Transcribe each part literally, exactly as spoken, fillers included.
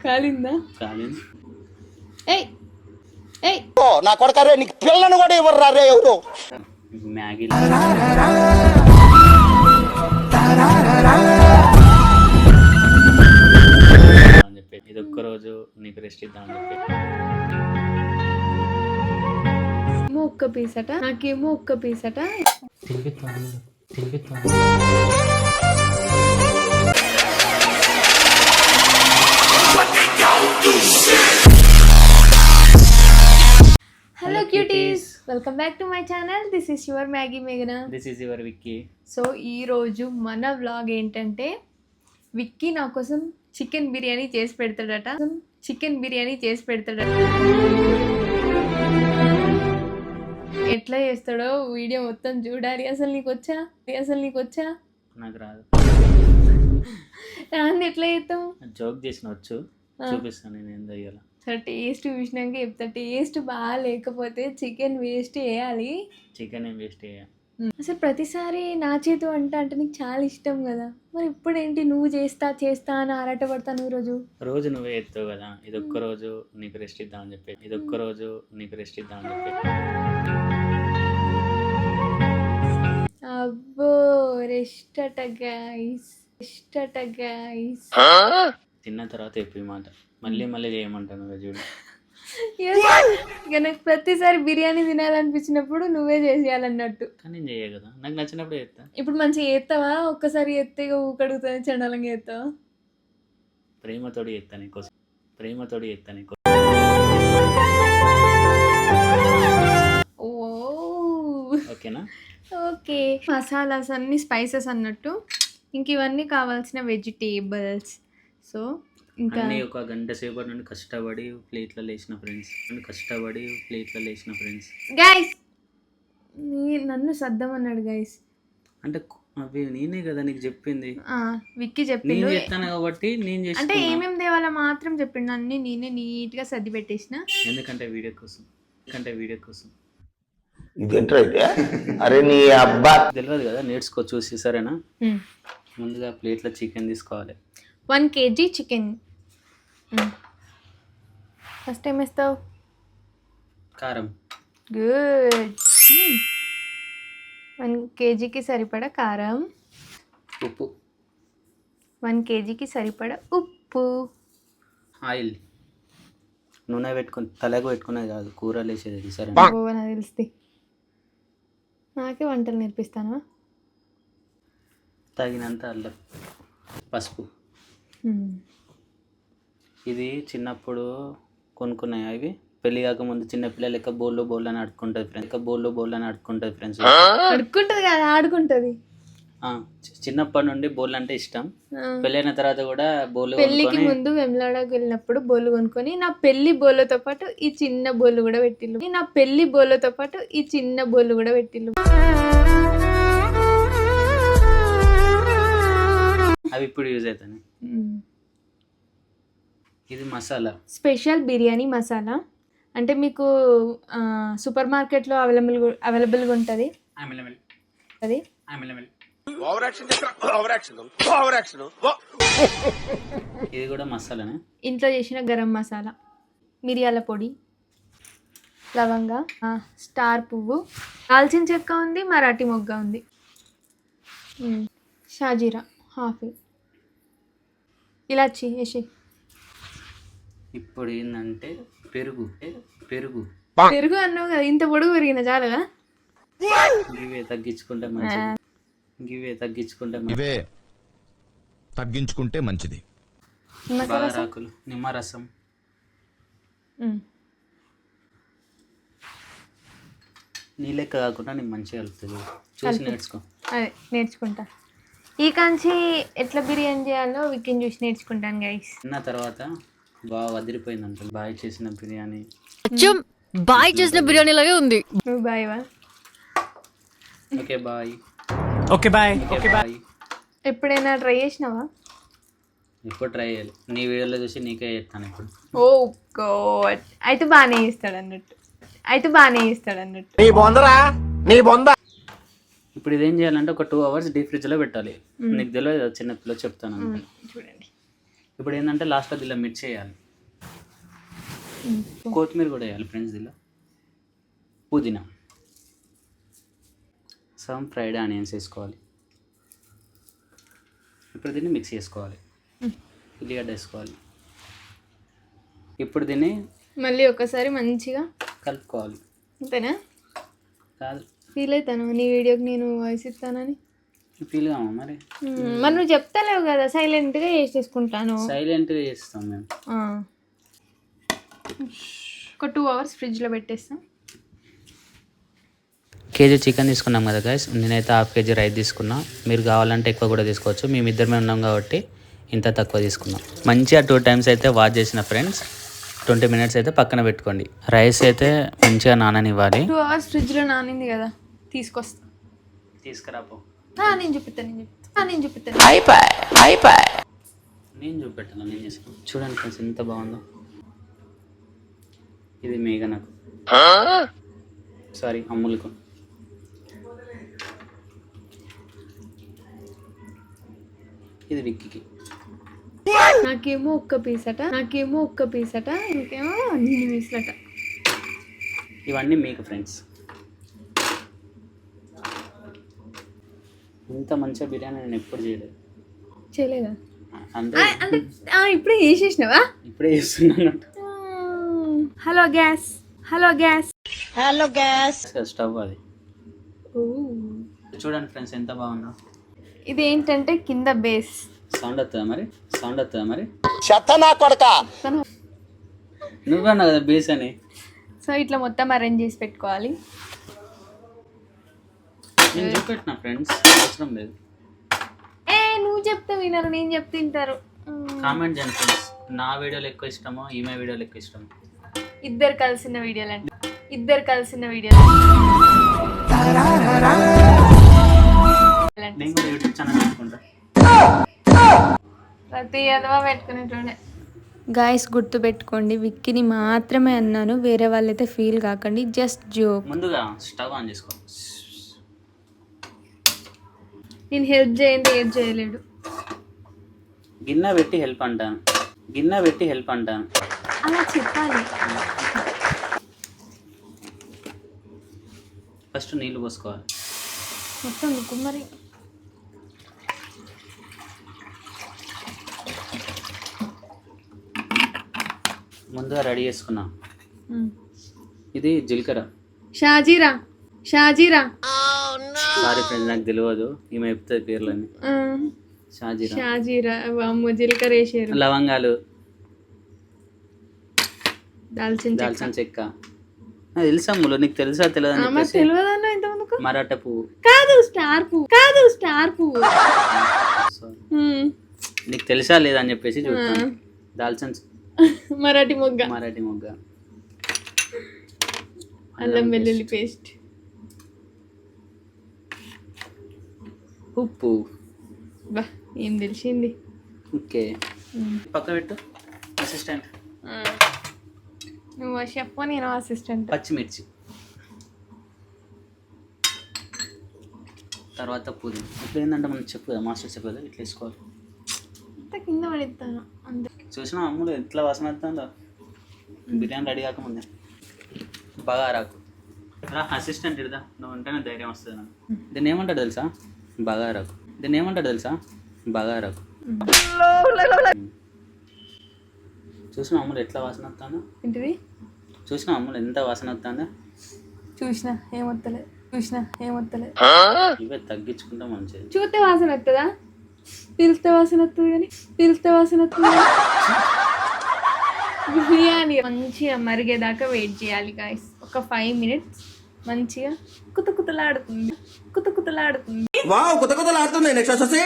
కాలిందా? కాలింది. ఏయ్ ఏయ్ నా కొడకరే నీకు పిల్లను కూడా ఇవ్వరు రే ఎవరు. మ్యాగీ అని చెప్పి ఇది ఒక్క రోజు నీకు రెస్ట్ ఇద్దాం అని చెప్పి ఏమో ఒక్క పీస్ అట, నాకేమో ఒక్క పీస్ అట. తినిపిస్తాను తినిపిస్తాను. Hello cuties, welcome back to my channel. This is your Maggi మేఘనా. This is your Vicky. So ఈరోజు మన వ్లాగ్ ఏంటంటే, విక్కీ నా కోసం చికెన్ బిర్యానీ చేసి పెడతాడట. చికెన్ బిర్యానీ చేసి పెడతాడట. ఎట్లా చేస్తాడో వీడియో మొత్తం చూడాలి. అసలు నీకు వచ్చా అసలు నీకు వచ్చా నాకు రాదు. రాంది ఎట్లా చేస్తావు? జోక్ చేసిన వచ్చు, చూపిస్తాను నేను ఏం చేయాలి. సరే టేస్ట్ చూసినాక చెప్తా. టేస్ట్ బాగా లేకపోతే చికెన్ వేస్ట్ చేయాలి. చికెన్ ఏం వేస్ట్ చేయాలి. అసలు ప్రతిసారి నా చేతి వంట అంటే నీకు చాలా ఇష్టం కదా, మరి ఇప్పుడేంటి నువ్వు చేస్తా చేస్తా అని ఆరాట పడతాను. ఈరోజు రోజు నువ్వే ఎత్తావు కదా, ఇది ఒక్క రోజు నీకు రెస్ట్ ఇద్దామని చెప్పి ఇది ఒక్క రోజు నీకు రెస్ట్ ఇద్దామని చెప్పి అబ్బో రెస్ట్ అట గైస్, రెస్ట్ అట గైస్. తిన్న తర్వాత చెప్పి మాట మళ్ళీ మళ్ళీ చేయమంటాను కదా చూడు. ఇక నాకు ప్రతిసారి బిర్యానీ తినాలనిపించినప్పుడు నువ్వే చేసేయాలన్నట్టు. కానీ నేను చేయ కదా, నాకు నచ్చినప్పుడు చేస్తా. ఇప్పుడు మంచిగా చేస్తావా? ఒక్కసారి ఎత్తే ఊకడుగుతుంది, చండాలంగా చేస్తావా? ప్రేమతోడి చేస్తా నీకోసం, ప్రేమతోడి చేస్తా నీకోసం. ఓ ఓకేనా? ఓకే. మసాలాస్ అన్ని స్పైసెస్ అన్నట్టు, ఇంక ఇవన్నీ కావాల్సిన వెజిటేబుల్స్. సో ఇంకా అన్నీ ఒక గంట సేపటి నుండి కష్టపడి ప్లేట్లో లేచిన ఫ్రెండ్స్ కష్టపడి ప్లేట్లో లేచిన ఫ్రెండ్స్ గైస్ నన్ను సర్దమన్నాడు గైస్. అంటే అవి నేనే కదా నీకు చెప్పింది, విక్కీ చెప్పిండు. నేను చెప్తాను కాబట్టి నేను చేస్తా. అంటే ఏమేమి దేవాలో మాత్రం చెప్పిండు, అన్ని నేనే నీట్ గా సర్ది పెట్టేసిన. ఎందుకంటే వీడియో కోసం, ఎందుకంటే వీడియో కోసం. అరే నీ అబ్బా తెలియదు కదా, నేర్చుకో చూసి. సరేనా? ముందుగా ప్లేట్లో చికెన్ తీసుకోవాలి. One KG chicken. ఫస్ట్ ఏం వేస్తావు? కారం. గుడ్. వన్ కేజీకి సరిపడా కారం. ఉప్పు. వన్ కేజీకి సరిపడా ఉప్పు. ఆయిల్. నూనె పెట్టుకుని తలకు పెట్టుకునేది కాదు, కూరలు వేసేది. సరే నాకు తెలుస్తుంది, నాకే వంటలు నేర్పిస్తానా? తగినంత అల్లం, పసుపు. ఇది చిన్నప్పుడు కొనుక్కున్నాయి అవి. పెళ్లి కాకముందు చిన్న పిల్లలు లెక్క బోల్లో బోల్ అని ఆడుకుంటుంది ఫ్రెండ్స్, లెక్క బోల్లో బోల్ అని ఆడుకుంటుంది ఫ్రెండ్స్. ఆడుకుంటుంది కదా, ఆడుకుంటుంది. చిన్నప్పటి నుండి బోల్ అంటే ఇష్టం. పెళ్ళైన తర్వాత కూడా బోల్. పెళ్లికి ముందు వెమ్లాడకు వెళ్ళినప్పుడు బోలు కొనుక్కొని నా పెళ్లి బోలతో పాటు ఈ చిన్న బోలు కూడా పెట్టిల్లు. నా పెళ్లి బోలతో పాటు ఈ చిన్న బోలు కూడా పెట్టిల్లు. అవి ఇప్పుడు యూజ్ అవుతాయి. ఇది మసాలా, స్పెషల్ బిర్యానీ మసాలా. అంటే మీకు సూపర్ మార్కెట్లో అవైలబుల్ అవైలబుల్గా ఉంటుంది అది. ఇది కూడా మసాలానే. ఇంట్లో చేసిన గరం మసాలా, మిరియాల పొడి, లవంగా, స్టార్ పువ్వు, దాల్చిన చెక్క ఉంది, మరాఠీ మొగ్గ ఉంది, షాజీరా హాఫ్, ఇలాచి వేసి. ఇప్పుడు ఏంటంటే పెరుగు. పెరుగు పెరుగు అన్నావు కదా, ఇంత పొడుగు పెరిగిన చాలుగా. ఇవే తగ్గించుకుంటే మంచిది, ఇవే తగ్గించుకుంటే ఇవే తగ్గించుకుంటే మంచిది. బారాకులు, నిమ్మరసం, నీ లెక్క కాకుండా నేను మంచిగా కలుపుతుంది. చూసి నేర్చుకో. అదే నేర్చుకుంటా. ఈ కాంచి ఎట్లా బిర్యానీ చేయాలో విక్కీని చూసి నేర్చుకుంటాను గైస్. తిన్న తర్వాత బాగా వదిలిపోయింది అంట. బాయ్ చేసిన బిర్యానీ బాయ్ చేసిన బిర్యానీ లాగే ఉంది. నువ్వు బాయ్ వా? Okay bye. Okay bye. Okay bye. ఎప్పుడైనా ట్రై చేసినావా? ఇప్పుడు ట్రై చేయాలి. నీ వీడియోలో చూసి నీకే చేస్తాను ఇప్పుడు. ఓ గాడ్, అయితే బాగానే చేస్తాడు అన్నట్టు, అయితే బాగానే చేస్తాడు అన్నట్టు. నీ బొందరా నీ బొంద. ఇప్పుడు ఇదేం చేయాలంటే ఒక టూ అవర్స్ డీప్ ఫ్రిడ్జ్లో పెట్టాలి. నీకు తెలియదు చిన్నపిల్ల చెప్తాను. చూడండి ఇప్పుడు ఏంటంటే లాస్ట్లో దీనిలో మిర్చి వేయాలి, కొత్తిమీర కూడా వేయాలి ఫ్రెండ్స్, దీనిలో పుదీనా, సమ్ ఫ్రైడ్ ఆనియన్స్ వేసుకోవాలి. ఇప్పుడు దీన్ని మిక్స్ చేసుకోవాలి, ఉల్లిగడ్డ వేసుకోవాలి. ఇప్పుడు దీన్ని మళ్ళీ ఒకసారి మంచిగా కలుపుకోవాలి. అంతేనా? కాదు, ఫీల్ అవుతాను నీ వీడియోకి నేను వాయిస్ ఇస్తానని. ఫీల్ కామా మరి? మ్మ్. మరి నువ్వు చెప్తాలేవు కదా, సైలెంట్గా చేసేసుకుంటాను. సైలెంట్గా చేస్తాం మేము. ఆ. ఒక టూ అవర్స్ ఫ్రిడ్జ్లో పెట్టేస్తాం. కేజీ చికెన్ తీసుకున్నాం కదా గైస్, నేనైతే హాఫ్ కేజీ రైస్ తీసుకున్నా. మీరు కావాలంటే ఎక్కువ కూడా తీసుకోవచ్చు, మేము ఇద్దరమే ఉన్నాం కాబట్టి ఇంత తక్కువ తీసుకున్నాం. మంచిగా టూ టైమ్స్ అయితే వాష్ చేసిన ఫ్రెండ్స్. ట్వంటీ మినిట్స్ అయితే పక్కన పెట్టుకోండి. రైస్ అయితే మంచిగా నాననివ్వాలి. టూ అవర్స్ ఫ్రిడ్జ్లో నానింది కదా, తీసుకొస్తా. తీసుకురాపో. ఆ, నేను చూపిస్తాను నేను చూపిస్తాను ఆ, నేను చూపిస్తాను నేను చూపెట్టాను, నేను చేస్తాను. చూడండి ఫ్రెండ్స్ ఎంత బాగుందో. ఇది మేఘ నాకు, సారీ అమ్ములకు. ఇది విక్కీకి. నాకేమో ఒక్క పీస్ అట, నాకేమో ఒక్క పీస్ అట, ఇంకేమో అన్ని పీసులట. ఇవన్నీ మీకు ఫ్రెండ్స్. ఇంత మంచిగా బిర్యానీ నేను ఎప్పుడు చేయలేదు. చేయలేదా? అందరూ అంటే ఆ, ఇప్పుడే చేసేసినావా? ఇప్పుడే చేస్తున్నాను. Hello gas, hello gas, hello gas. Stove అది. చూడండి ఫ్రెండ్స్ ఎంత బాగుందో. ఇది ఏంటంటే కింద బేస్. సౌండ్ వస్తుందా మరి? సౌండ్ వస్తుందా మరి? చెత్త నా కొడక. నువ్వన్నా కదా బేస్ అని. సో ఇట్లా మొత్తం అరేంజ్ చేసి పెట్టుకోవాలి. నేను చూపెట్టిన ఫ్రెండ్స్, అవసరం లేదు. ఏ నువ్వు చెప్తే వినరు, నేను చెప్తే తింటారు. కామెంట్ చేయండి ఫ్రెండ్స్, నా వీడియోలు ఎక్కువ ఇష్టమో ఈమె వీడియోలు ఎక్కువ ఇష్టమో. ఇద్దరు కలిసిన వీడియోలు అంటే ఇద్దరు కలిసిన వీడియోలు నేను కూడా యూట్యూబ్ ఛానల్ పెట్టుకుంటా. ప్రతి ఎదవా పెట్టుకునేటోడే. గాయస్ గుర్తు పెట్టుకోండి, విక్కీని మాత్రమే అన్నాను, వేరే వాళ్ళైతే ఫీల్ కాకండి, జస్ట్ జోక్. ముందుగా స్టవ్ ఆన్ చేసుకో. నేను హెల్ప్ చేయండి, ఏం చేయలేడు. గిన్నె పెట్టి హెల్ప్ అంటాను, గిన్నె పెట్టి హెల్ప్ అంటాను. అలా చెప్పాలి. ఫస్ట్ నీళ్ళు పోసుకోవాలి. మొత్తం నువ్వు మరి ముందుగా రెడీ చేసుకున్నా. ఇది జీలకర్ర. షాజీరా, షాజీరా. సారీ ఫ్రెండ్స్, నాకు తెలియదు, ఈమె చెప్తుంది పేర్లని. షాజీరా, షాజీరా. అమ్మో జీలకర్ర వేసారు. లవంగాలు, దాల్చిన దాల్చిన చెక్క. నాకు తెలుసా ములు, నీకు తెలుసా తెలియదు? తెలియదన్నా ఇంతమందుకు. మరాఠా పువ్వు కాదు, స్టార్ పువ్వు కాదు, స్టార్ పువ్వు. నీకు తెలుసా లేదా అని చెప్పేసి చూస్తాను. దాల్చిన మరాఠీ మొగ్గ, మరాఠీ మొగ్గ, అల్లం వెల్లుల్లి పేస్ట్, ఉప్పు. బా ఏం తెలిసింది. ఓకే, పక్క పెట్టు అసిస్టెంట్. నువ్వు చెప్పు, నేను అసిస్టెంట్. పచ్చిమిర్చి, తర్వాత పుదీనా. ఇప్పుడు ఏంటంటే మనం చెప్పు కదా, మాస్టర్ చెప్పు కదా, ఇట్లా వేసుకోవాలి. అంత కింద పడిస్తాను అంతే. చూసినా అమ్ములు ఎట్లా వాసన వస్తుందో, బిర్యానీ రెడీ కాకముందే. బగారాకు రా అసిస్టెంట్, ఇడదా నువ్వు ఉంటేనే ధైర్యం వస్తుంది నాకు. దీన్ని ఏమంటాడు తెలుసా? బగారాకు. దీన్ని ఏమంటాడు తెలుసా? బగారాకు. చూసిన అమ్ములు ఎట్లా వాసన వస్తుందో. ఏంటిది? చూసిన అమ్ములు ఎంత వాసన వస్తుందో. చూసినా ఏమొత్తలే, చూసినా ఏమొత్తలే. ఇవే తగ్గించుకుంటే మంచిది. చూస్తే వాసన వస్తుందా? పిలిస్తే వాసన వస్తుంది కానీ పిలిస్తే వాసన వస్తుంది. బిర్యానీ మంచిగా మరిగేదాకా వెయిట్ చేయాలి గాయస్. ఒక ఫైవ్ మినిట్స్ మంచిగా కుత కుతలాడుతుంది, కుత కుతలాడుతుంది. వావ్, కొత్త కొత్తలు ఆడుతున్నాయి. నెక్స్ట్ వచ్చేసి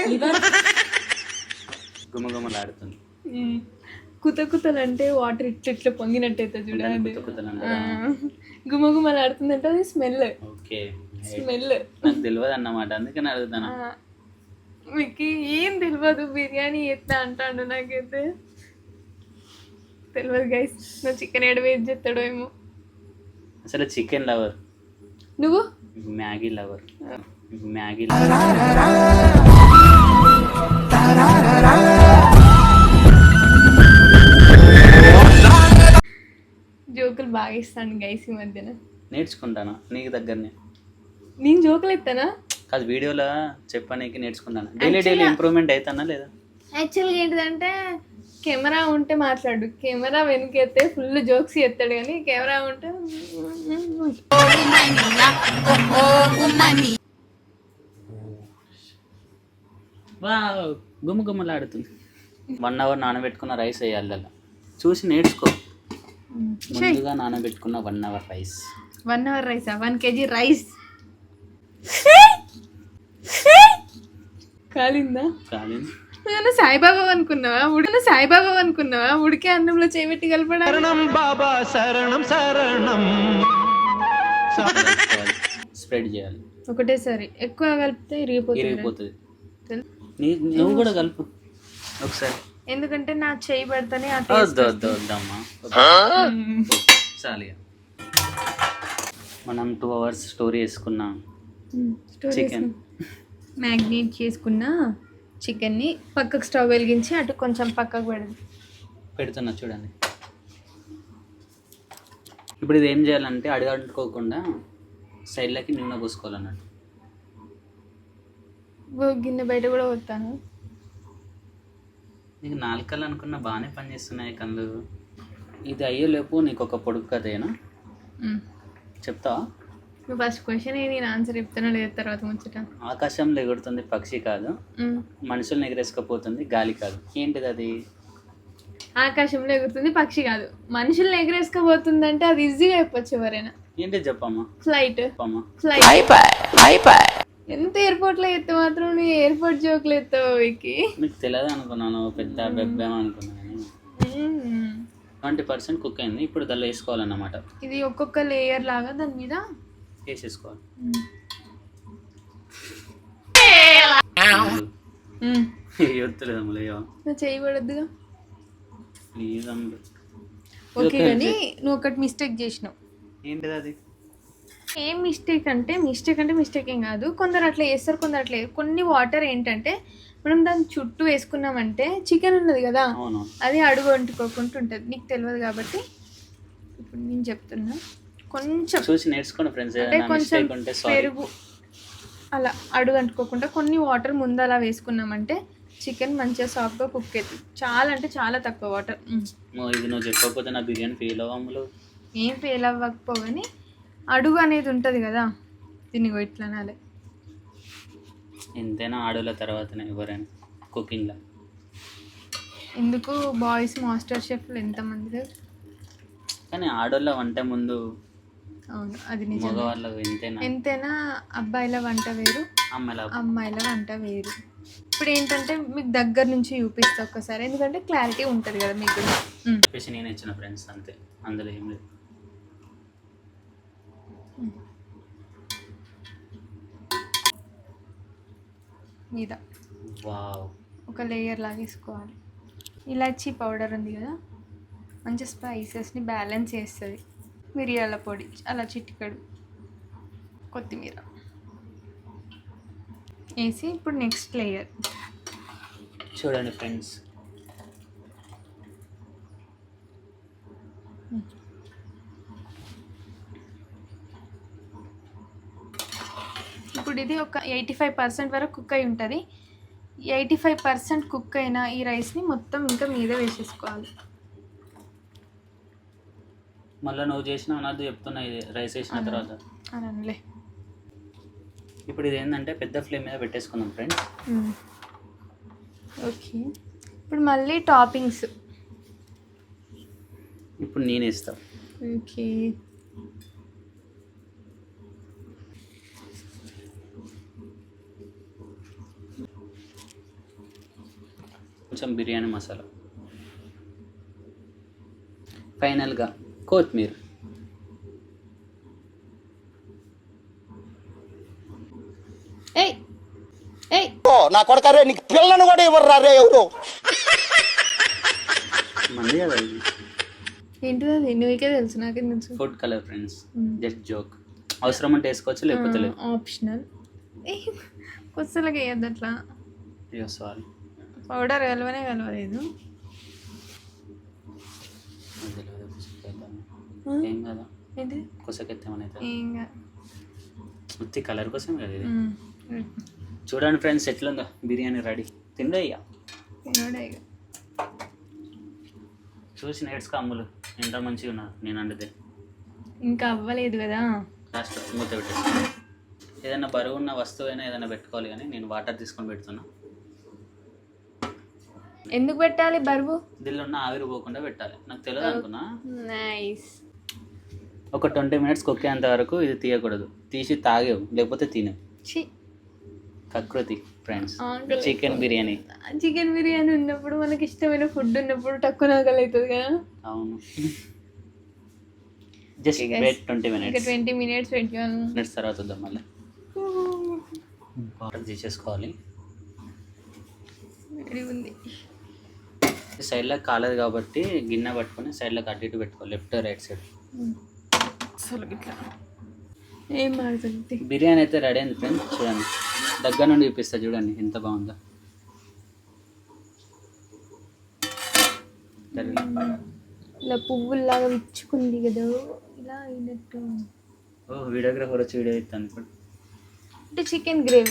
గుమగుమలాడుతుంది. కుత కుతలు అంటే వాటర్ ఇట్లా ఇట్లా పొంగినట్టయితే చూడండి. గుమగుమలు ఆడుతుంది అంటే అది స్మెల్. ఓకే, స్మెల్ నాకు తెలియదు అన్నమాట, అందుకని అడుగుతాను. మీకు ఏం తెలియదు, బిర్యానీ ఎట్లా అంటాడు నాకైతే తెలియదు గైస్. నువ్వు చికెన్ ఏడ వేసి చేస్తాడో ఏమో. అసలు చికెన్ లవర్ నువ్వు, మ్యాగీ లవర్, మ్యాగీ లవర్. బాగా ఇస్తాను గైస్ ఈ మధ్యన. నేర్చుకుంటాను నీకు దగ్గరనే. నేను జోకులు ఎత్తానా? కాదు వీడియోలో చెప్పడానికి నేర్చుకుంటాను. డైలీ డైలీ ఇంప్రూవ్మెంట్ అవుతానా లేదా? యాక్చువల్గా ఏంటిదంటే కెమెరా ఉంటే మాట్లాడు, కెమెరా వెనుకెత్తే ఫుల్ జోక్స్ ఎత్తాడు కానీ కెమెరా ఉంటే వా గుమ్మ గుమ్మలాడుతుంది. వన్ అవర్ నానబెట్టుకున్న రైస్ వేయాలి అలా. చూసి నేర్చుకో. ముందుగా నానబెట్టుకున్న one hour rice. One hour రైసా? వన్ కేజీ రైస్ కాలిందా? కాలేదు. నువ్వు సాయిబాబా అనుకున్నావా? ఉడికిన సాయిబాబా అనుకున్నావా? ఉడికే అన్నంలో చేపెట్టి కలపడా? బాబా శరణం శరణం. స్ప్రెడ్ చేయాలి ఒకటేసారి. ఎక్కువ కలిపితే ఇరిగిపోతుంది. ఇరిగిపోతుంది. నువ్వు కూడా కలుపు ఒకసారి. ఎందుకంటే నా చేయి పెడితేనే ఆ వద్దు వద్దు వద్దమ్మా చాలు. మనం టూ అవర్స్ స్టోరీ వేసుకున్నాం చికెన్. మ్యాగ్నేట్ చేసుకున్న చికెన్ని పక్కకు స్టవ్ వెలిగించి అటు కొంచెం పక్కకు పెడదు పెడుతున్నా చూడండి. ఇప్పుడు ఇది ఏం చేయాలంటే అడుగంటుకోకుండా సైడ్లకి నూనె పోసుకోవాలన్నట్టు. గిన్నె బయట కూడా పోతాను. నీకు నాలుకలు అనుకున్న బాగానే పనిచేస్తున్నాయి కళ్ళు. ఇది అయ్యేలోపు నీకు ఒక పొడుగు కథేనా చెప్తావా? నువ్వు ఫస్ట్ క్వశ్చన్ ఏ నేను ఆన్సర్ చెప్తానో లేదు తర్వాత ముచ్చట. ఆకాశంలో ఎగురుతుంది పక్షి కాదు, మనుషుల్ని ఎగరేసుకపోతుంది గాలి కాదు. ఏంటిది అది? ఆకాశంలో ఎగురుతుంది పక్షి కాదు, మనుషుల్ని ఎగరేసుకపోతుంది అంటే అది ఈజీగా చెప్పొచ్చు ఎవరైనా. ఏంటి చెప్పమ్మా? ఫ్లైట్. చెప్పమ్మా. ఫ్లైట్. ఎంత ఎయిర్పోర్ట్ లో ఎత్తే మాత్రం నీ ఎయిర్పోర్ట్ జోకులు ఎత్తావు వీకి. మీకు తెలియదు అనుకున్నాను, పెద్ద బెబ్బేమో అనుకున్నాను. ట్వంటీ పర్సెంట్ కుక్ అయింది. ఇప్పుడు దానిలో వేసుకోవాలన్నమాట. ఇది ఒక్కొక్క లేయర్ లాగా దాని మీద వేసేసుకోవాలి. చేయబడద్దుగా ప్లీజ్ అమ్ముడు. ఓకే కానీ నువ్వు ఒకటి మిస్టేక్ చేసినావు. ఏంటిది అది? ఏం మిస్టేక్ అంటే మిస్టేక్ అంటే మిస్టేక్ ఏం కాదు. కొందరు అట్లా వేస్తారు, కొందరు అట్లా. కొన్ని వాటర్ ఏంటంటే మనం దాని చుట్టూ వేసుకున్నామంటే చికెన్ ఉన్నది కదా అది అడుగు అంటుకోకుండా ఉంటుంది. నీకు తెలియదు కాబట్టి ఇప్పుడు నేను చెప్తున్నా. కొంచెం చూసి నేర్చుకోండి ఫ్రెండ్స్. అంటే కొంచెం పెరుగు అలా అడుగు అంటుకోకుండా కొన్ని వాటర్ ముందు అలా వేసుకున్నామంటే చికెన్ మంచిగా సాఫ్ట్గా కుక్ అవుతుంది. చాలా అంటే చాలా తక్కువ వాటర్. ఇది నువ్వు చెప్పకపోతే నా బిర్యానీ ఫెయిల్ అవ్వములు. ఏం ఫెయిల్ అవ్వకపోగాని అడుగు అనేది ఉంటుంది కదా, దీన్ని ఇట్లా అనాలి. ఎంతైనా ఆడోళ్ళ తర్వాతనే ఎవరైనా కుకింగ్లో. ఎందుకు బాయ్స్ మాస్టర్ షెఫ్లు ఎంతమంది, కానీ ఆడోళ్ళ వంట ముందు. అవును అది నిజం. మగవాళ్ళ ఎంతైనా ఎంతైనా అబ్బాయిల వంట వేరు, అమ్మాయిల అమ్మాయిల వంట వేరు. ఇప్పుడు ఏంటంటే మీకు దగ్గర నుంచి చూపిస్తా ఒక్కసారి, ఎందుకంటే క్లారిటీ ఉంటుంది కదా మీకు. చెప్పేసి నేను ఇచ్చిన ఫ్రెండ్స్ అంతే, అందులో ఏం లేదు. మీద వావ్ ఒక లేయర్ లాగా వేసుకోవాలి. ఇలాచీ పౌడర్ ఉంది కదా, మంచి స్పైసెస్ని బ్యాలెన్స్ చేస్తుంది. మిరియాల పొడి అలా చిటికడు, కొత్తిమీర వేసి ఇప్పుడు నెక్స్ట్ లేయర్ చూడండి ఫ్రెండ్స్. ఇప్పుడు ఇది ఒక ఎయిటీ ఫైవ్ పర్సెంట్ వరకు కుక్ అయి ఉంటుంది. ఎయిటీ ఫైవ్ పర్సెంట్ కుక్ అయిన ఈ రైస్ని మొత్తం ఇంకా మీద వేసేసుకోవాలి. మళ్ళీ నువ్వు చేసిన అన్నది చెప్తున్నా, ఇది రైస్ వేసిన తర్వాత అనలే. ఇప్పుడు ఇది ఏంటంటే పెద్ద ఫ్లేమ్ మీద పెట్టేసుకుందాం ఫ్రెండ్స్. ఓకే ఇప్పుడు మళ్ళీ టాపింగ్స్. ఇప్పుడు నేను వేస్తా. ఓకే కొంచెం బిర్యానీ మసాలా, ఫైనల్గా కొత్తిమీర. ఏయ్ ఏయ్ నా కొడకరే నీకు పిల్లను కూడా ఇవ్వరు రే ఎవరు. మంది కదా ఇది. ఏంటిది అది? నువ్వుకే తెలుసు, నాకేం తెలుసు. Food colour friends, just joke. అవసరం అంటే వేసుకోవచ్చు, లేకపోతే లేదు. ఆప్షనల్. కొత్తలకి వేయద్దు అట్లా. అయ్యో సారీ. పౌడర్ కలవనే కలవలేదు. ఏం కదా ఏంటి కొసకెత్తేమని అవుతుంది ఏం కాదు. ఉత్తి కలర్ కోసం కదా ఇది. మ్మ్. చూడండి ఫ్రెండ్స్ ఎట్లుందో బిర్యానీ రెడీ తిండే ఇక తినోడే ఇక. చూసి నేర్చుకో అమ్ములు ఎంత మంచిగా ఉన్నారు నేను అండితే. ఇంకా అవ్వలేదు కదా. లాస్ట్ మూత పెట్టేస్తాను. ఏదైనా బరువు ఉన్న వస్తువు అయినా ఏదైనా పెట్టుకోవాలి కానీ నేను వాటర్ తీసుకొని పెడుతున్నా. ఎందుకు పెట్టాలి బరువు? దీనిలో ఉన్న ఆవిరి పోకుండా పెట్టాలి. నాకు తెలియదు అనుకున్నా. నైస్. ఒక ట్వంటీ మినిట్స్ కొక్కేంత వరకు ఇది తీయకూడదు. తీసి తాగేవు లేకపోతే తినేవు. ఛీ, ప్రకృతి ఫ్రెండ్స్. ఆకలి. చికెన్ బిర్యానీ. చికెన్ బిర్యానీ ఉన్నప్పుడు మనకి ఇష్టమైన ఫుడ్ ఉన్నప్పుడు తక్కువ ఆకలి అవుతుంది కదా. అవును. జస్ట్ వెయిట్ ట్వంటీ ఇంకా మినిట్స్ ట్వంటీ మినిట్స్ పెట్టాను. మినిట్స్ తర్వాత వద్దాం మళ్ళీ. వాటర్ తీసేసుకోవాలి. వేడి ఉంది. సైడ్లో కాలేదు కాబట్టి గిన్నె పట్టుకొని సైడ్లోకి అటు ఇటు పెట్టుకోవాలి. Left right side. అసలు ఇట్లా ఏం మాడుతుంది. బిర్యానీ అయితే రెడీ అయింది ఫ్రెండ్స్. చూడండి దగ్గర నుండి చూపిస్తా చూడండి ఎంత బాగుందో. ఇలా పువ్వుల్లాగా విచ్చుకుంది కదా, ఇలా అయినట్టు. ఓ వీడియోగ్రాఫర్ వచ్చి వీడియో ఇస్తాను ఇప్పుడు. అంటే చికెన్ గ్రేవీ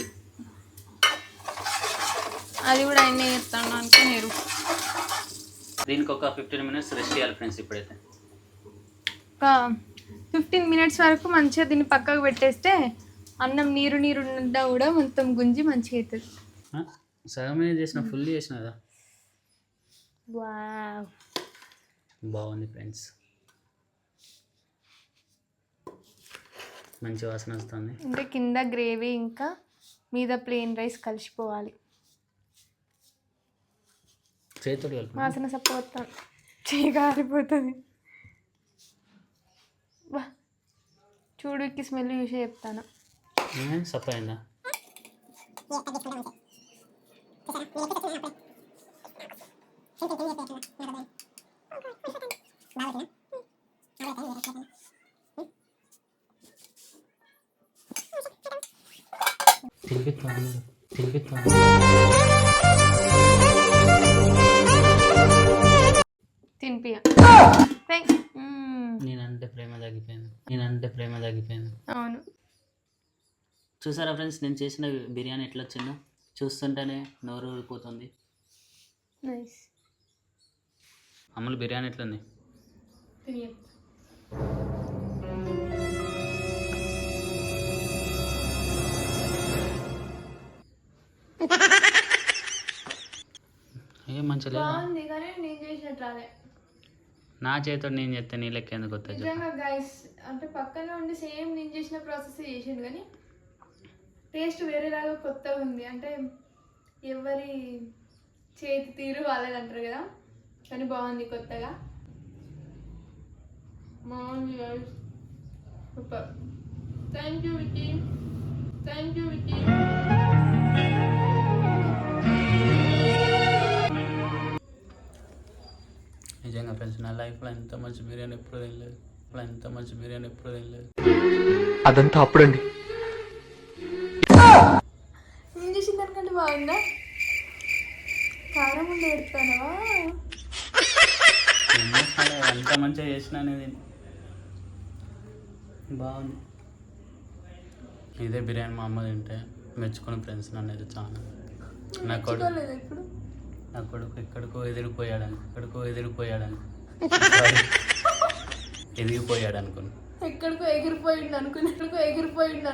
అది కూడా ఆయన చేస్తాను అనుకున్నారు. దీనికి ఒక ఫిఫ్టీన్ మినిట్స్ రెస్ట్ చేయాలి ఫ్రెండ్స్. ఇప్పుడైతే ఒక ఫిఫ్టీన్ మినిట్స్ వరకు మంచిగా దీన్ని పక్కకు పెట్టేస్తే అన్నం నీరు నీరు ఉన్నా కూడా మొత్తం గుంజి మంచిగా అవుతుంది. సగమే చేసిన ఫుల్ చేసిన కదా. వావ్, బాగుంది ఫ్రెండ్స్. మంచి వాసన వస్తుంది. అంటే కింద గ్రేవీ ఇంకా మీద ప్లెయిన్ రైస్ కలిసిపోవాలి. చేతుడు కలుపు. వాసన సపోతాను చేయగారిపోతుంది. వా చూడుకి స్మెల్ చూసే చెప్తాను. సప్ప అయిందా? తినిపిస్తాను తినిపిస్తాను. తినిపియ నేనంటే ప్రేమ తగ్గిపోయింది. నేనంటే ప్రేమ తగ్గిపోయింది. అవును. చూసారా ఫ్రెండ్స్ నేను చేసిన బిర్యానీ ఎట్లా వచ్చిందో? చూస్తుంటేనే నోరు ఊరిపోతుంది. నైస్. అమ్ములు బిర్యానీ ఎట్లుంది? ఏం మంచిగా బాగుంది కానీ నేను చేసినట్టు రాలే. నా చేతితో నేను చెప్తే నీ లెక్క ఎందుకు వస్తుంది? నిజంగా గైస్, అంటే పక్కన ఉండి సేమ్ నేను చేసిన ప్రాసెస్ చేసిండు కానీ టేస్ట్ వేరేలాగా కొత్తగా ఉంది. అంటే ఎవరి చేతి తీరు వాళ్ళది అంటారు కదా, కానీ బాగుంది కొత్తగా. బాగుంది guys, super. Thank you Vicky, thank you Vicky. నిజంగా ఫ్రెండ్స్ నా లైఫ్లో ఎంత మంచి బిర్యానీ ఎప్పుడు తినలేదు. ఇప్పుడు ఎంత మంచి బిర్యానీ ఎప్పుడు తినలేదు. అదంతా అప్పుడండి. నేను చేసిన దానికంటే బాగుందా? కారం ఉండి పెడతానవా? ఎంత మంచిగా చేసిన అనేది బాగుంది. ఇదే బిర్యానీ మా అమ్మ తింటే మెచ్చుకుని ఫ్రెండ్స్ నన్ను అయితే చాలా. నా కొడుకు ఇప్పుడు నా కొడుకు ఎక్కడికో ఎదిరిపోయాడని ఎక్కడికో ఎదిరిపోయాడని ఎదిగిపోయాడు అనుకుని ఎక్కడికో ఎగిరిపోయిండు అనుకుని ఎక్కడికో ఎగిరిపోయిండు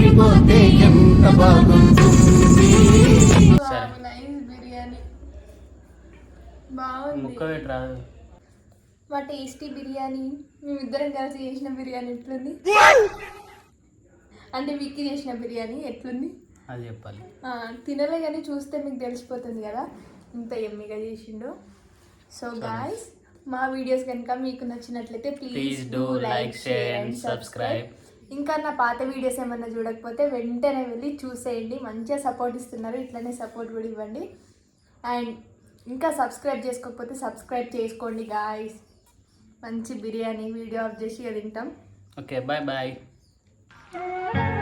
నైస్ బిర్యానీ బాగుంది. ముక్క పెట్టి రాదు. మా టేస్టీ బిర్యానీ మేమిద్దరం కలిసి చేసిన బిర్యానీ ఎట్లుంది? అంటే విక్కీ చేసిన బిర్యానీ ఎట్లుంది అది చెప్పాలి. తినలే కానీ చూస్తే మీకు తెలిసిపోతుంది కదా ఇంత ఎమ్మిగా చేసిండు. సో గాయ్స్, మా వీడియోస్ కనుక మీకు నచ్చినట్లయితే please do like, share and subscribe. ఇంకా నా పాత వీడియోస్ ఏమన్నా చూడకపోతే వెంటనే వెళ్ళి చూసేయండి. మంచిగా సపోర్ట్ ఇస్తున్నారు, ఇట్లనే సపోర్ట్ కూడా ఇవ్వండి. అండ్ ఇంకా సబ్స్క్రైబ్ చేసుకోకపోతే సబ్స్క్రైబ్ చేసుకోండి గాయ్స్. మంచి బిర్యానీ వీడియో ఆఫ్ చేసి తింటాం. Okay bye bye.